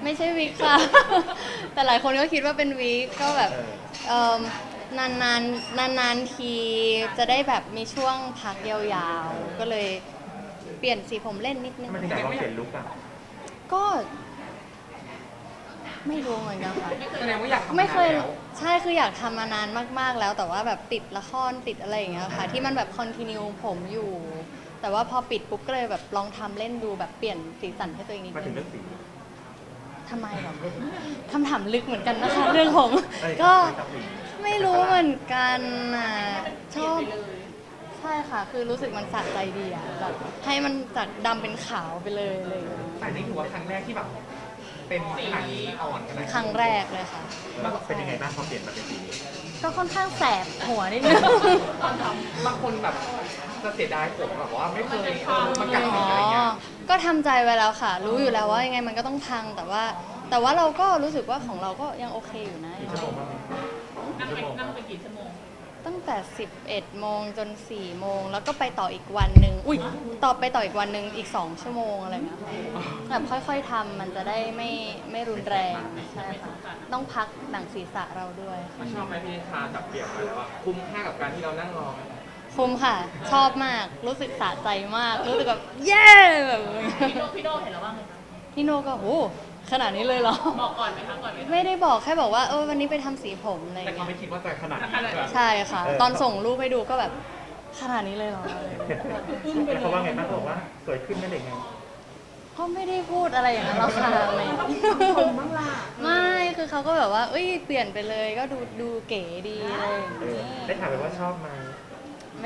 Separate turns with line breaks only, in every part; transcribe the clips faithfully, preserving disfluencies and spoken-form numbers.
ไม่ใช่วิกค่ะ แต่หลายคนก็คิดว่าเป็นวิกก็แบบเอ่อนานนานนานนานๆทีจะได้แบบมีช่วงพักยาวๆก็เลยเปลี่ยนสีผมเล่นนิดนึง
มันถึงอยากลองเปลี่ยนลุคอ่ะ
ก็ไม่รู้เหมือนกันค่ะ
แสดงว่าอยากทำ
ไม่เคย
แล้ว
ใช่คืออยากทำมานานมากๆแล้วแต่ว่าแบบติดละครติดอะไรอย่างเงี้ยค่ะที่มันแบบคอนติเนียผมอยู่ แต่ว่าพอปิดปุ๊บก็เลยแบบลองทำเล่นดูแบบเปลี่ยนสีสันให้ตัวเองนิด
มาถึ
นึ
ง
ง
เรื่องสี
ทำไมหรอคำถามลึกเหมือนกันนะคะเรื่องผม
เอ้ย
ก็
ครับผม
ไม่รู้เหมือนกันอ่ะชอบใช่ค่ะ คือรู้สึกมันสะใจดีอ่ะแบบให้มันจากดำเป็นขาวไปเลยอะไรอย่างเลย
แต่นี่ถือว่าครั้งแรกที่แบบเป็นขนาดนี้อ่อนขนาดนี้
ครั้งแรกเลยค่ะ
แล้วเป็นยังไงบ้างพอเปลี่ยนมาเป็นสีนี้
ก็ค่อนข้างแสบหัวนิดนึง
บางคนแบบจะเสียดายผมแบบว่าไม่เคยเออมันกัด
อ๋
สี
อ
อะไรเงี้ย
ก็ทำใจไว้แล้วค่ะ รู้อยู่แล้วว่ายังไงมันก็ต้องพัง แต่ว่า แต่ว่าเราก็รู้สึกว่าของเราก็ยังโอเคอยู่นะ
กี่ชั่วโมงบ้าง
นั่งไปนั่งไปกี่ชั่วโมง
ตั้งแต่ สิบเอ็ด โมงจน สี่ โมง แล้วก็ไปต่ออีกวันหนึ่งอุ้ยต่อไปต่ออีกวันหนึ่งอีก สอง ชั่วโมงอะไรอย่างเงี้ยค่ะแบบค่อยๆทำมันจะได้ไม่ไม่รุนแรง ใช่ค่ะ ต้องพักหนังศีรษะเราด้วยค่ะ
ชอบไหมพี่นิชาจับเปลี่ยนมาแล้วว่าคุ้มค่ากับการที่เรานั่งรอไหม
คุ้มค่ะ ชอบมาก รู้สึกสะใจมาก รู้สึกแบบเย้แบบ
พี่โดพี่โดเห็นแล้วว่าไงคะ
พี่โนก็โอ้ขนาดนี้เลยเหรอ
บอกก่อนไหมคะก่อนไหมคะ
ไม่ได้บอกแค่บอกว่าเออวันนี้ไปทำสีผมอะไรอ
แต่
ย่าง
เขา
เงี้
ไม่
ย
คิดว่าจะขนาดนี้แบบ
ใช่ค่ะ ตอนส่งรูปให้ดูก็แบบขนาดนี้เลยเหรออะไรอย่างเงี้ย
แล้วเขาว่าไงบ้างเขาบอกว่าสวยขึ้นนั่นเองไง
ก็ไม่ได้พูดอะไรอย่างนั้นหรอกค่ะไม่ไม่คือเขาก็แบบว่าเอ้ยเปลี่ยนไปเลยก็ดูดูเก๋ดีอะไรอย่าง
เออ
เงี้ย
ได้ถามไปว่าชอบไหม
ไม่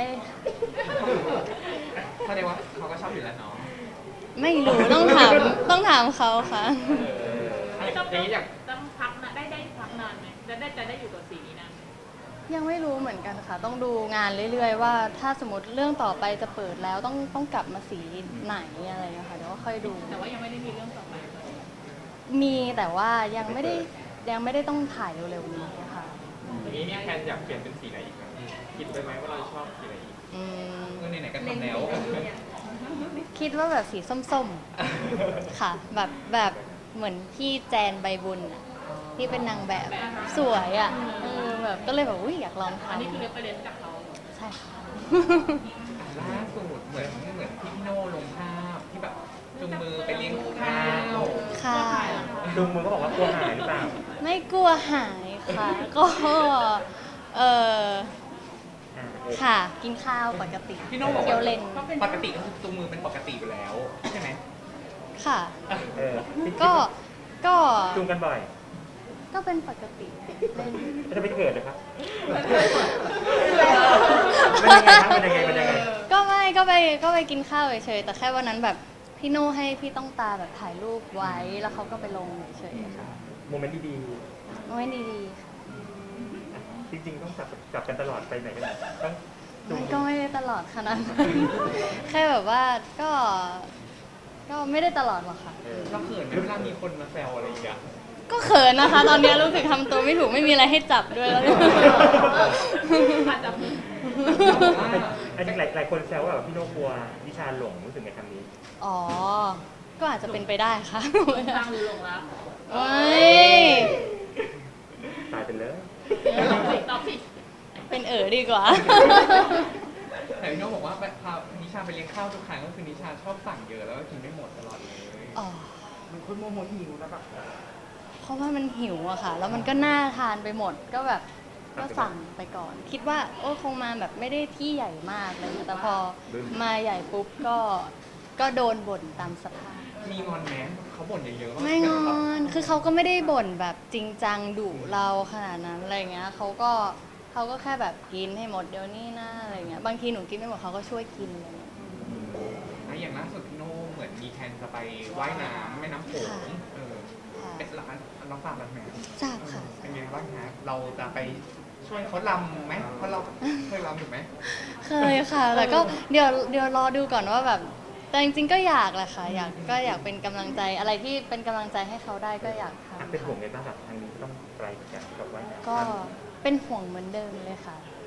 แสดงว่าเขาก็ชอบอยู่แล้วเนาะ
ไม่รู้ต้องถามต้องถามเขาค่ะ
อย่างนี้อยาก
ต้องพักนะได้ได้พักนานไหมจะได้จะได้อยู่กับสีนี้นานไหม
ยังไม่รู้เหมือนกันค่ะ ต้องดูงานเรื่อยๆว่าถ้าสมมติเรื่องต่อไปจะเปิดแล้วต้องต้องกลับมาสีไหนอะไรอย่างเงี้ยค่ะเดี๋ยวก็ค่อยดู
แต่ว่ายังไม่ได้มีเรื่องต่อไป
มีแต่ว่ายังไม่ได้ยังไม่ได้ต้องถ่ายเร็วๆนี้ค่ะ
อย่างนี้มีแพลนอยากเปลี่ยนเป็นสีไหนอีกไหมคิดไปไหมว่าเราชอบสีไหนอีก
อืม
เออไหนๆก็ทำแล้ว
คิดว่าแบบสีส้มๆ ค่ะ แบบแบบเหมือนพี่แจนใบบุญอะที่เป็นนางแบบสวยอ่ะเออแบบก็เลยแบบอุ้ยอยากลอง
อันนี้คือ
ทำ
เรฟเฟรนซ์จากเขา
ใช่ค่ะ
ล่าสุดเหมือนเหมือนพี่โน่ลงภาพที่แบบจุงมือไปเลี้ยงข้าว
ค่ะ
ลุงมือก็บอกว่ากลัวหายหรือเปล่า
ไม่กลัวหายค่ะ ก็เออ
อ่าเออ
ค่ะ กินข้าวปกติ
พี่โน่บอก
เคี้ยว
ว่า
เล่น
ปกติก็คือจุงมือเป็นปกติอยู่แล้วใช่ไหม
ค่ะ
เออคิด
ก็ก็
จูงกันบ่อย
ก็เป็นปกติเล่น
แล้วจะไม่เกิดเลยครับมันยังไงครับมันยังไงมันยังไง
ก็ไม่ก็ไปก็ไปกินข้าวเฉยๆแต่แค่วันนั้นแบบพี่โน่ให้พี่ต้องตาแบบถ่ายรูปไว้แล้วเขาก็ไปลงเฉยๆค่ะ
โมเมนต์ดี
โอ้ยดีๆค่ะ
ๆจริงๆต้องจับจับกันตลอดไปไหนกันไหนต้องจูง
มันก็ไม่ได้ตลอดขนาดนั้น แค่แบบว่าก็ ก็ไม่ได้ตลอดหรอกค่ะ
เออ
เราเขินไหมเวลามีคนมาแซวอะไรอย่างเงี้ย
ก็เขินนะคะ ตอนนี้รู้สึกทำตัวไม่ถูกไม่มีอะไรให้จับด้วยแล้วเนี่ย
อาจจะ
อันนี้หลายหลายคนแซวว่าแบบพี่โน่กลัววิชาหลงรู้สึกไงคำนี้
อ๋อ ก็อาจจะเป็นไปได้ค่ะ
ทางหรือหลงรัก
โอ้ย
ตายไปเลย
ตอบสิตอบสิ
เป็นเอ๋อดีกว่า
แต่พี่โน่บอกว่าไปพานิชาไปเลี้ยงข้าวทุกครั้งก็คือนิชาชอบสั่งเยอะแล้วก็กินไม่หมดตลอดเลย
อ๋อ
มันคนโมโหหิวนะแบบ
เพราะว่ามันหิวอะค่ะ แล้วมันก็น่าทานไปหมด ก็แบบ ก็สั่งไปก่อน คิดว่าโอ้คงมาแบบไม่ได้ที่ใหญ่มากอะไรเลยแต่พอมาใหญ่ปุ๊บก็ ก็โดนบ่นตามสภาพ
มีงอนแม้เขาบ่นเยอะๆว่า
ไม่งอน คือเขาก็ไม่ได้บ่นแบบจริงจังดุเราขนาดนั้นอะไรเงี้ยเขาก็เขาก็แค่แบบกินให้หมดเดี๋ยวนี้นะอะไรเงี้ย บางทีหนูกินไม่หมดเขาก็ช่วยกินอะไรเงี้ย
แล้วอย่างล่าสุดพี่โน่เหมือนมีแทนจะไปว่ายน้ำแม่น้ำโขง
ค่ะ
เออ
ค่ะ
เป็นร้านน้องฟาร์มร้านแมว
ทราบค่ะ
เป็นไงบ้างฮะเราจะไปช่วยเขาลำไหมเพราะเราเคยลำถูกไหม
เคยค่ะ แต่ก็เดี๋ยวเดี๋ยวรอดูก่อนว่าแบบ แต่จริงๆก็อยากแหละค่ะ อยากก็อยากเป็นกำลังใจอะไรที่เป็นกำลังใจให้เขาได้ก็อยากทำ
เป็นห่วง
ค่ะ
ไงบ้างแบบทางนี้ก็ต้องไกลจากกับว่ายน้ำ
ก็เป็นห่วงเหมือนเดิมเลยค่ะ ก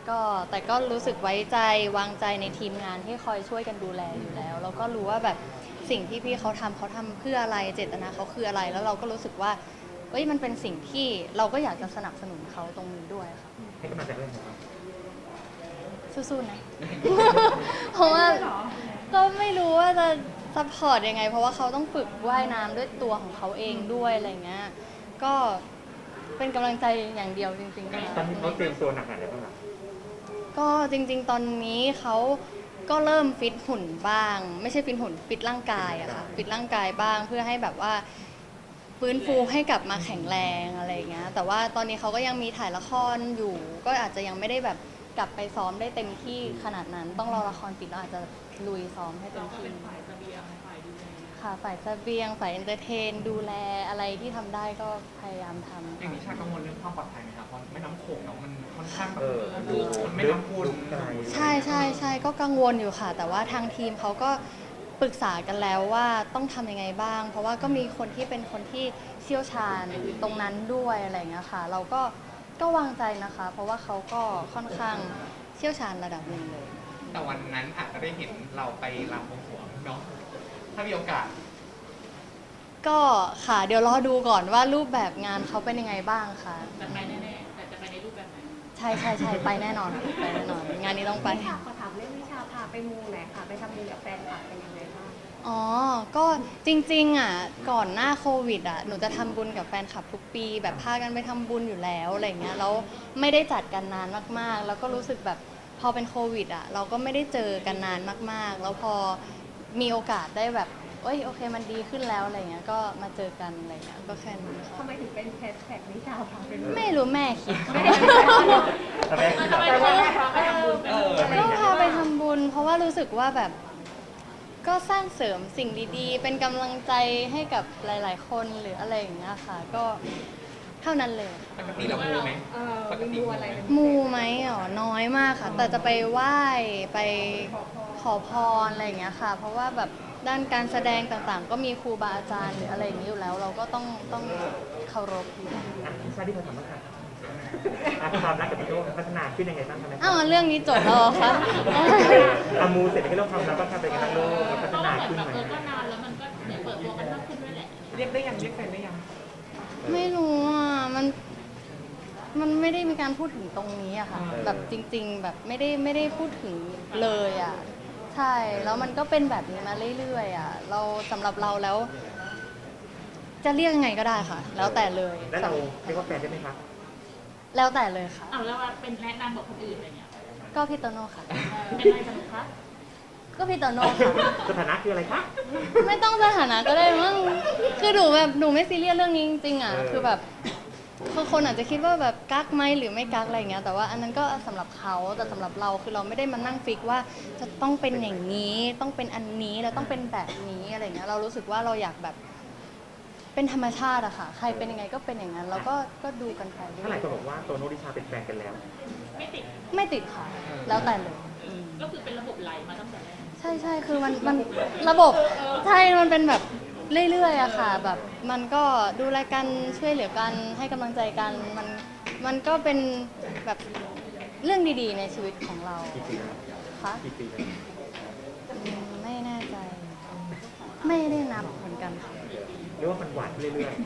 ก็แต่ก็รู้สึกไว้ใจวางใจในทีมงานที่คอยช่วยกันดูแลอยู่แล้วแล้วก็รู้ว่าแบบสิ่งที่พี่เขาทำเขาทำเพื่ออะไรเจตนาเขาคืออะไร แล้วเราก็รู้สึกว่าเอ้ยมันเป็นสิ่งที่เราก็อยากจะสนับสนุนเขาตรงนี้ด้วยค่ะ
ให้กำลังใจเรื่องของเรา
สู้ๆนะ เพราะว่าก็ไม่รู้ว่าจะซัพพอร์ตยังไง เพราะว่าเขาต้องฝึกว่ายน้ำด้วยตัวของเขาเองด้วยอะไรเงี้ยก็เป็นกำลังใจอย่างเดียวจริงๆค่ะ
ตอนนี้เขาเตรียมตัวหนักขนาดไหนบ้างล่ะ
ก็จริงๆ ตอนนี้เขาก็เริ่มฟิตหุ่นบ้าง ไม่ใช่ฟิตหุ่นฟิตร่างกายอะค่ะฟิตร่างกายบ้างเพื่อให้แบบว่าฟื้นฟูให้กลับมาแข็งแรงอะไรอย่างเงี้ยแต่ว่าตอนนี้เขาก็ยังมีถ่ายละครอยู่ ก็อาจจะยังไม่ได้แบบกลับไปซ้อมได้เต็มที่ขนาดนั้น ต้องรอละครปิดแล้วอาจจะลุยซ้อมให้เต็
เรา
ม
ก็
ที่
เป็นฝ่ายเสบียงฝ่ายดูแล
ค่ะฝ่ายเสบียงฝ่ายเอนเตอร์เทนดูแลอะไรที่ทำได้ก็พยายามทำ
อย่างนิชากังวลเรื่องความปลอดภัยไหมครับเพราะแม่น้ำโขงเนาะมันค่อนข้างแบบ
เออ
มันไม่น้ำพุน
ไกล
ใช่ใช่ใช่ก็กังวลอยู่ค่ะ แต่ว่าทางทีมเขาก็ปรึกษากันแล้วว่าต้องทำยังไงบ้าง เพราะว่าก็มีคนที่เป็นคนที่เชี่ยวชาญตรงนั้นด้วยอะไรอย่างเงี้ยค่ะ เราก็ก็วางใจนะคะ เพราะว่าเขาก็ค่อนข้างเชี่ยวชาญระดับหนึ่งเลย
แต่วันนั้นอาจจะได้เห็นเราไปรำบวงสรวงเนาะถ้ามีโอกาส
ก็ค่ะเดี๋ยวรอดูก่อนว่ารูปแบบงานเขาเป็นยังไงบ้างค่ะ
แต่ไปแน่ๆแต่จะไปในรูปแบบไหน
ใช่ใช่ใช่ไปแน่นอนไปแน่นอน งานนี้ต้องไป
วิชาขอถามเรื่องวิชาพาไปมูไหนอยค่ะ ไปทำบุญกับแฟนคลับเป็นยังไงบ้าง
อ๋อ ก็จริงๆอ่ะก่อนหน้าโควิดอ่ะหนูจะทำบุญกับแฟนคลับทุกปี แบบพากันไปทำบุญอยู่แล้วอะไรเงี้ยแล้วไม่ได้จัดกันนานมากๆ แล้วก็รู้สึกแบบพอเป็นโควิดอ่ะเราก็ไม่ได้เจอกันนานมากๆ แล้วพอมีโอกาสได้แบบเอ้ยโอเคมันดีขึ้นแล้วอะไรเงี้ยก็มาเจอกันอะไรเงี้ยก็แค่นี้ค่ะ
ทำไมถึงเป็นแฮชแท็กวิชาพาไปมู
ไม่รู้แม่คิด
ทำไม
ทำไมเขาพาไปทำบุญเป็น
เออ
ก็พาไปทำบุญ เพราะว่ารู้สึกว่าแบบก็สร้างเสริมสิ่งดีๆ เป็นกำลังใจให้กับหลายๆ คนหรืออะไรอย่างเงี้ยค่ะ ก็เท่านั้นเลยค่ะ
ปกติเรามูไหม
เออมีมูอะไรเป็น
มูไหมอ๋อน้อยมากค่ะ แต่จะไปไหว้ไปขอพรอะไรอย่างเงี้ยค่ะ เพราะว่าแบบด้านการแสดงต่างๆ ก็มีครูบาอาจารย์หรืออะไรอย่างนี้อยู่แล้ว เราก็ต้องต้องเคารพอยู่แล้ว
อ่ะพี่ชาที่เขาทำบ้างค่ะอ่ะความรักกับพี่โน้พัฒนาขึ้นยังไงบ้างคะ
อ้าวเรื่องนี้จบแล้วเหรอคะ
อามูเสร็จแล้วก็เรื่องความรักก็ทำไปกันทั้งโลกมันพั
เพ
ฒ
ราะ
นา
ว่าเหมือน
ขึ้น
แบบ
ไหม
เออก็นานแล้วมันก็เนี่ยเปิดตัวกันมากขึ้นด้วยแหละ
เรียกได้ยังเรียกแฟนได้ยัง
ไม่รู้อ่ะ มัน มันไม่ได้มีการพูดถึงตรงนี้อะค่ะ แบบจริง ๆ แบบไม่ได้ไม่ได้พูดถึงเลยอะใช่ แล้วมันก็เป็นแบบนี้มาเรื่อยๆอะเราสำหรับเราแล้ว จะเรียกยังไงก็ได้ค่ะ แล้วแต่เลย
แล้วเราเรียกว่าแฟนได้ไหมคะ
แล้วแต่เลยค่ะ
อ้าวแล้วว่าเป็นแนะนำกับคนอื่นอะไรเงี้ย
ก็พี่โตโน่ค่ะ
เป็นอะไรสนุกคะ
ก็พี่โตโน่ค่ะ
สถานะคืออะไรคะ
ไม่ต้องสถานะก็ได้มั้ง คือหนูแบบหนูไม่ซีเรียสเรื่องนี้จริงๆอ่ะ คือแบบบางคนอาจจะคิดว่าแบบกักไหมหรือไม่กักอะไรเงี้ย แต่ว่าอันนั้นก็สำหรับเขาแต่สำหรับเราคือเราไม่ได้มานั่งฟิกว่าจะต้องเป็นอย่างนี้ ต้องเป็นอันนี้แล้วต้องเป็นแบบนี้อะไรเงี้ย เรารู้สึกว่าเราอยากแบบเป็นธรรมชาติอะค่ะ ใครเป็นยังไงก็เป็นอย่างนั้น แล้วก็ก็ดูกันไปเรื่
ถ้าหลาย
อย
คนบอกว่าโตโน่ดิชาเป็นแฟนกันแล้ว
ไม่ติด
ๆไม่ติดค่ะ แล้วแต่เลยอืม
ก็คือเป็นระบบไหลมาตั้งแต่แรก
ใช่ใช่คือมันมันระบบใช่มันเป็นแบบเรื่อยๆอะค่ะ แบบมันก็ดูแลกันช่วยเหลือกันให้กำลังใจกันมันมันก็เป็นแบบเรื่องดีๆในชีวิตของเรา
กี่ปีแล้ว
ค่ะ
กี่ปีแล้ว
อืมไม่แน่ใจ ไม่ได้นับเหมือนกันค่ะ
เรียกว่ามันหวานขึ้นเรื่อย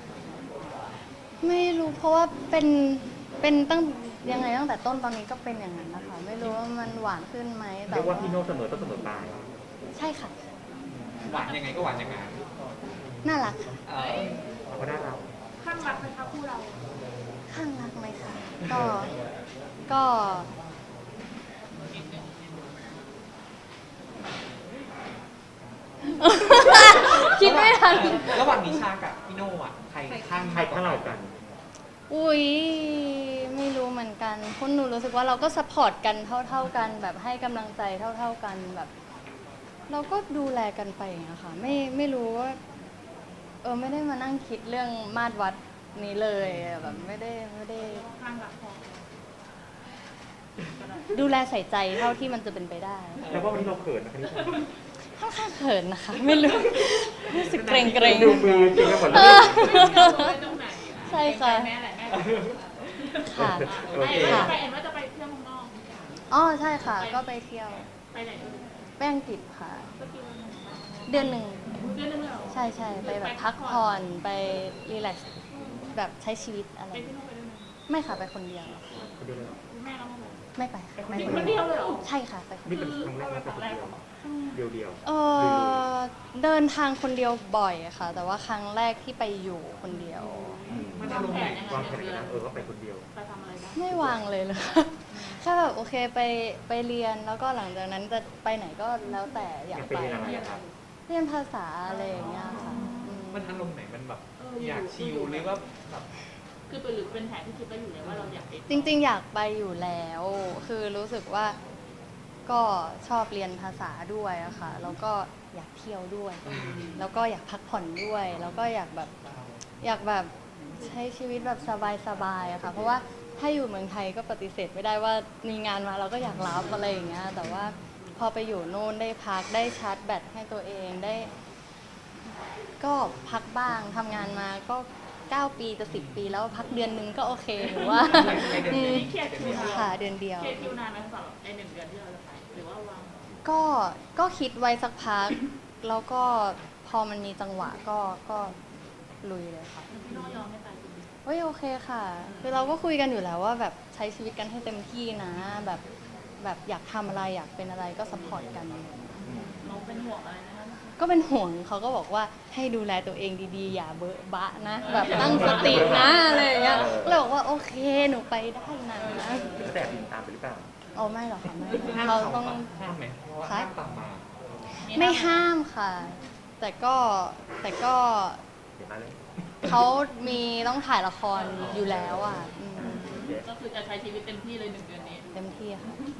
ไม่รู้เพราะว่าเป็นเป็นตั้งยังไงตั้งแต่ต้นตอนนี้ก็เป็นอย่างนั้นนะคะไม่รู้ว่ามันหวานขึ้นไหม
ๆ
แต่
เรียกว่าพี่โน้เสมอต้นเสมอปลาย
ใช่ค่ะ
หวานยังไงก็หวานอย่างนั้น
น่ารักค่ะ
เออ
เขาก็ได้เรา
ข้างรักไหมคะคู่เรา
ข้างรักไหมคะก็ ก็ คิดไม่ทัน
ระหว่างนิชากับพี่โน่อะใครข้าง
ใครข้างเรากัน
อุ้ยไม่รู้เหมือนกันเพราะหนูรู้สึกว่าเราก็สปอร์ตกันเท่า ๆกัน แบบให้กำลังใจเท่า ๆกันแบบ เราก็ดูแลกันไปอย่างเงี้ยค่ะ ไม่ไม่รู้ว่า เออไม่ได้มานั่งคิดเรื่องมาตรวัดนี้เลยแบบไม่ได้ไม่ได้
ข้างรักพอ
ดูแลใส่ใจเท่าที่มันจะเป็นไปได้
แล้วว่าวันนี้เราเขินนะคะนิชา
ค่อนข้างเขินนะคะ ไม่รู้รู้สึกเกรงเกรง
ดูมือจริงไปหมดเลย
ไม่ตรงไหน
ใช่ค่ะ
แม่แหละแม่
ค่ะ
โอเค
ไปเอ็นว่าจะไปเที่ยวเมืองนอก
อ๋อใช่ค่ะ ก็ไปเที่ยว
ไปไหนด้วย
ไปอังกฤษค่ะ
ก็กี่วัน
เดือนหนึ่ง
เดือนนึงเลยเหรอ
ใช่ใช่ไปแบบพักผ่อนไปรีแลกซ์แบบใช้ชีวิตอะไร
ไปที่นู่นไปด้วยไหม
ไม่ค่ะไปคนเดียว
คนเดียวเลยเหรอ
แม่เราไม่ไป
ไม่ไปค่ะไม่
อยู่
ไป
คนเดียวเลยเหรอ
ใช่ค่ะไปคน
นี่
เดียว
เป็นครั้งแรกไหมเป็นคนเดียวเดียวๆ
เออเดินทางคนเดียวบ่อยค่ะ แต่ว่าครั้งแรกที่ไปอยู่คนเดียว
มันอารมณ์ไหน
วางแผนกันนะเออว่าไปคนเดียว
ไปทำอะไรบ้าง
ไม่วางเลยเลย แค่แบบโอเคไปไปเรียนแล้วก็หลังจากนั้นจะไปไหนก็แล้วแต่อยาก
อยากไป
ไป
เรียนอะไรอะครับ
เรียนภาษาอะไรอย่างเงี้ยค่ะอืม
มันอารมณ์ไหนมันแบบอยากชิลหรือว่าแบบ
คือเป็นหรือเป็นแผนที่คิดไว้อยู่แล้วว่าเราอยากไป
จริงๆ อยากไปอยู่แล้ว คือรู้สึกว่าก็ชอบเรียนภาษาด้วยอะค่ะ แล้วก็อยากเที่ยวด้วย แล้วก็อยากพักผ่อนด้วย แล้วก็อยากแบบอยากแบบใช้ชีวิตแบบสบายๆอะค่ะ เพราะว่าถ้าอยู่เมืองไทยก็ปฏิเสธไม่ได้ว่ามีงานมาเราก็อยากรับอะไรอย่างเงี้ย แต่ว่าพอไปอยู่โน่นได้พักได้ชาร์จแบตให้ตัวเองได้ ก็พักบ้างทำงานมาก็เก้าปีจะสิบปีแล้วพักเดือนนึงก็โอเคหรือว่า อืม
เครียดคิวนาน
ค่ะเดือนเดียว
เครียดคิวนานไหมสำหรับในหนึ่งเดือนที่เราจะไปหรือว่าวาง
ก็ก็คิดไว้สักพัก แล้วก็พอมันมีจังหวะก็ก็ลุยเลยค่ะ
พี่น้องยอมให้ไปจริง
เฮ้ยโอเคค่ะ คือเราก็คุยกันอยู่แล้วว่าแบบใช้ชีวิตกันให้เต็มที่นะ แบบแบบอยากทำอะไรอยากเป็นอะไรก็สปอร์ตกัน
ๆน้องเป็นห่วงอะไรนะคะ
ก็เป็นห่วงเขาก็บอกว่าให้ดูแลตัวเองดีๆ อย่าเบอะบะนะ แบบตั้งสตินะอะไรอย่างเงี้ยก็เลยบอกว่าโอเคหนูไปได้นะ
จะแต่บินตามไปหรือเปล่า
โอ้ไม่หรอกค่ะไม่
ห้าม
เรา
เขา
ต้อง
ห้ามไหมเพราะว่าห้ามตามมา
ไม่ห้ามค่ะ แต่ก็แต่ก็
เห็นไหมเลย
เขามีต้องถ่ายละครอยู่แล้วอ่ะอืม
ก็คือจะใช้ชีวิตเต็มที่เลยหนึ่งเดือนนี้
เต็มที่ค่ะ